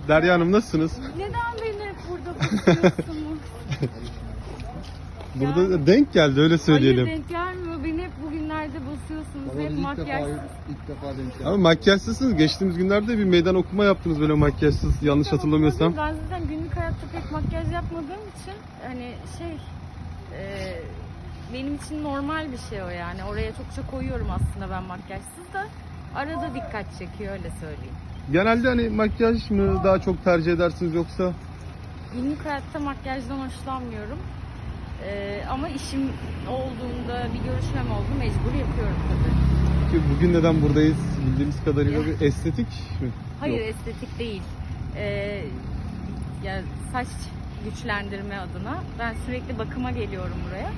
Derya Hanım nasılsınız? Neden beni hep burada basıyorsunuz? Burada denk geldi öyle söyleyelim. Hayır denk gelmiyor. Beni hep bugünlerde basıyorsunuz. Hep makyajsız. İlk defa denk geldi. Ama makyajsızsınız. Geçtiğimiz günlerde bir meydan okuma yaptınız böyle makyajsız yanlış hatırlamıyorsam. Ben zaten günlük hayatta pek makyaj yapmadığım için hani benim için normal bir şey o yani. Oraya çokça koyuyorum aslında ben makyajsız da. Arada dikkat çekiyor öyle söyleyeyim. Genelde hani makyaj mı daha çok tercih edersiniz yoksa? Günlük hayatta makyajdan hoşlanmıyorum. Ama işim olduğunda bir görüşmem oldu mecbur yapıyorum tabii. Peki bugün neden buradayız? Bildiğimiz kadarıyla bir estetik mi? Hayır Yok. estetik değil. Ya saç güçlendirme adına. Ben sürekli bakıma geliyorum buraya.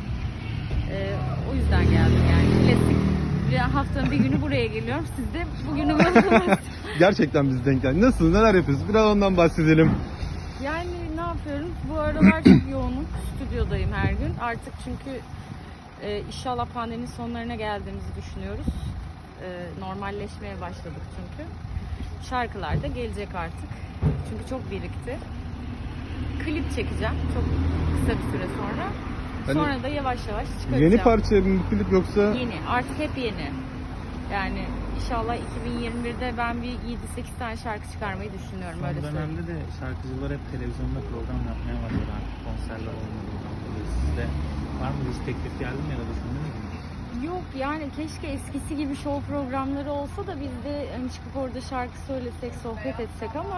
O yüzden geldim yani. Klasik. Bir haftanın bir günü buraya geliyorum. Siz de bugünü buldunuz. Gerçekten biz denk geldi. Nasıl? Neler yapıyorsunuz? Biraz ondan bahsedelim. Yani ne yapıyorum? Bu aralar çok yoğunum. Stüdyodayım her gün. Artık çünkü inşallah pandeminin sonlarına geldiğimizi düşünüyoruz. Normalleşmeye başladık çünkü. Şarkılar da gelecek artık. Çünkü çok birikti. Klip çekeceğim çok kısa bir süre sonra. Hani Sonra da yavaş yavaş çıkaracağım. yeni parça mı bu klip yoksa? Yeni. Artık hep yeni. Yani inşallah 2021'de ben bir 7-8 tane şarkı çıkarmayı düşünüyorum. Son öyle söyleyeyim. dönemde de şarkıcılar hep televizyonda program yapmaya başladı artık konserler olmadığından dolayı. Sizde var mı hiç teklif geldi mi ya da düşündünüz mü? Yok yani keşke eskisi gibi show programları olsa da biz de hani çıkıp orada şarkı söylesek, sohbet etsek ama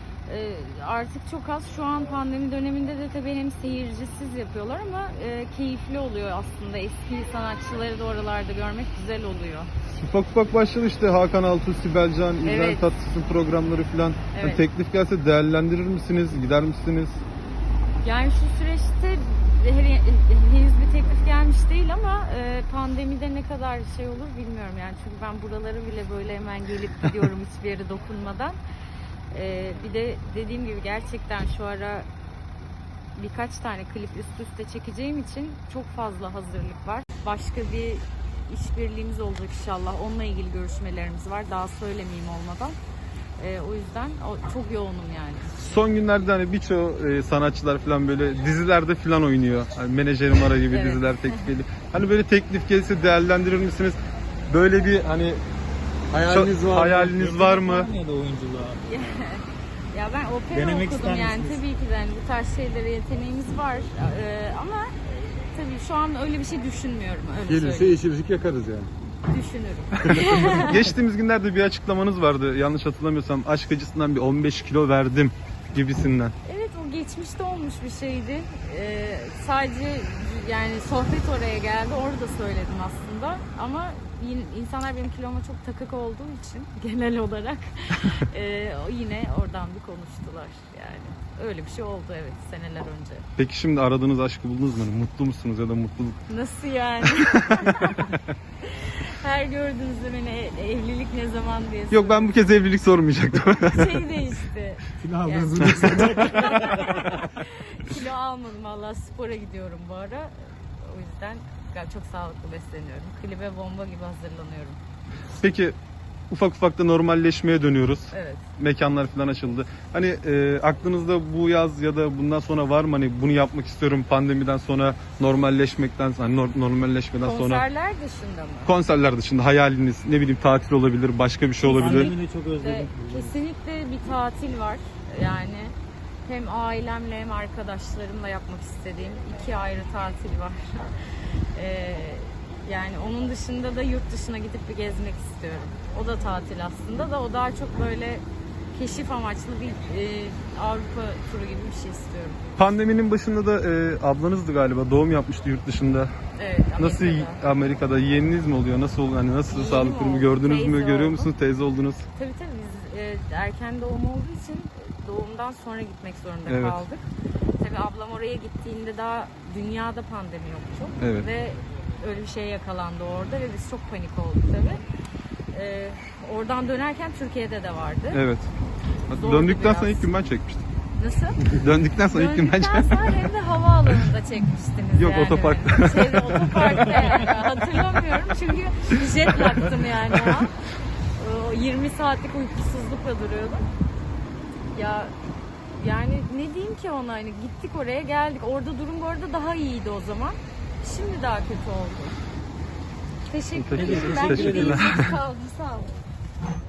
artık çok az. Şu an pandemi döneminde de tabii hem seyircisiz yapıyorlar ama keyifli oluyor aslında. Eski sanatçıları da oralarda görmek güzel oluyor. Ufak ufak başladı işte Hakan Altuğ, Sibel Can, İbrahim Evet. Tatlıses'in programları falan. Evet. Hani teklif gelse değerlendirir misiniz? Gider misiniz? Yani şu süreçte henüz bir teklif gelmiş değil ama pandemide ne kadar şey olur bilmiyorum yani. Çünkü ben buraları bile böyle hemen gelip gidiyorum hiçbir yere dokunmadan. Bir de dediğim gibi gerçekten şu ara birkaç tane klip üst üste çekeceğim için çok fazla hazırlık var. Başka bir işbirliğimiz olacak inşallah. Onunla ilgili görüşmelerimiz var. Daha söylemeyeyim olmadan. O yüzden çok yoğunum yani. Son günlerde hani birçok sanatçılar falan böyle dizilerde falan oynuyor. Hani Menajerim Ara gibi Evet. diziler teklif geliyor. Hani böyle teklif gelse değerlendirir misiniz? Böyle bir hani hayaliniz var mı? Ya da oyunculuğa. Ya ben opera Denemek okudum ister yani misiniz? tabii ki de hani bu tarz şeylere yeteneğimiz var ama tabii şu an öyle bir şey düşünmüyorum öyle Gelirse söyleyeyim. yeşilcik yakarız yani. Düşünürüm. Geçtiğimiz günlerde bir açıklamanız vardı. Yanlış hatırlamıyorsam aşk acısından bir 15 kilo verdim gibisinden. Evet o geçmişte olmuş bir şeydi. Sadece yani sohbet oraya geldi orada söyledim aslında ama insanlar benim kiloma çok takık olduğu için genel olarak yine oradan bir konuştular yani. Öyle bir şey oldu evet seneler önce. Peki şimdi aradığınız aşkı buldunuz mu? Mutlu musunuz ya da mutluluk? Nasıl yani? Her gördüğünüzde beni evlilik ne zaman diye Yok ben bu kez evlilik sormayacaktım. şey değişti. Kilo Yani- aldınız mı? Kilo almadım valla spora gidiyorum bu ara. O yüzden çok sağlıklı besleniyorum. Klibe bomba gibi hazırlanıyorum. Peki ufak ufak da normalleşmeye dönüyoruz. Evet. Mekanlar falan açıldı. Hani aklınızda bu yaz ya da bundan sonra var mı hani bunu yapmak istiyorum pandemiden sonra normalleşmekten hani normalleşmeden sonra Konserler dışında mı? konserler dışında hayaliniz ne bileyim tatil olabilir, başka bir şey olabilir. Pandemi de çok özledim. Kesinlikle bir tatil var. Yani hem ailemle hem arkadaşlarımla yapmak istediğim 2 ayrı tatil var. Yani onun dışında da yurt dışına gidip bir gezmek istiyorum. O da tatil aslında da o daha çok böyle keşif amaçlı bir Avrupa turu gibi bir şey istiyorum. Pandeminin başında da ablanızdı galiba doğum yapmıştı yurt dışında. Evet, Nasıl Amerika'da yeğeniniz mi oluyor? Nasıl oluyor? Hani nasıl Yeğenim sağlık durumu oldu, gördünüz teyze mü? Görüyor oldu. musunuz? Teyze oldunuz. Tabii biz erken doğum olduğu için doğumdan sonra gitmek zorunda Evet. kaldık. Tabii ablam oraya gittiğinde daha dünyada pandemi yoktu. Evet. Ve öyle bir şeye yakalandı orada ve biz çok panik olduk tabii. Oradan dönerken Türkiye'de de vardı. Evet. Zordu Döndükten sonra biraz. ilk gün ben çekmiştim. Nasıl? Döndükten sonra ilk gün ben Döndükten çekmiştim. sonra hem de havaalanında çekmiştiniz Yok, yani. otoparkta. Otoparkta yani. Hatırlamıyorum çünkü jet lag'tım yani o an. O 20 saatlik uykusuzlukla duruyordum. Ya yani ne diyeyim ki ona, hani gittik oraya geldik. Orada durum bu arada daha iyiydi o zaman. Şimdi daha kötü oldu. Teşekkür ederim. Ben Teşekkürler. gideyim. Sağ olun.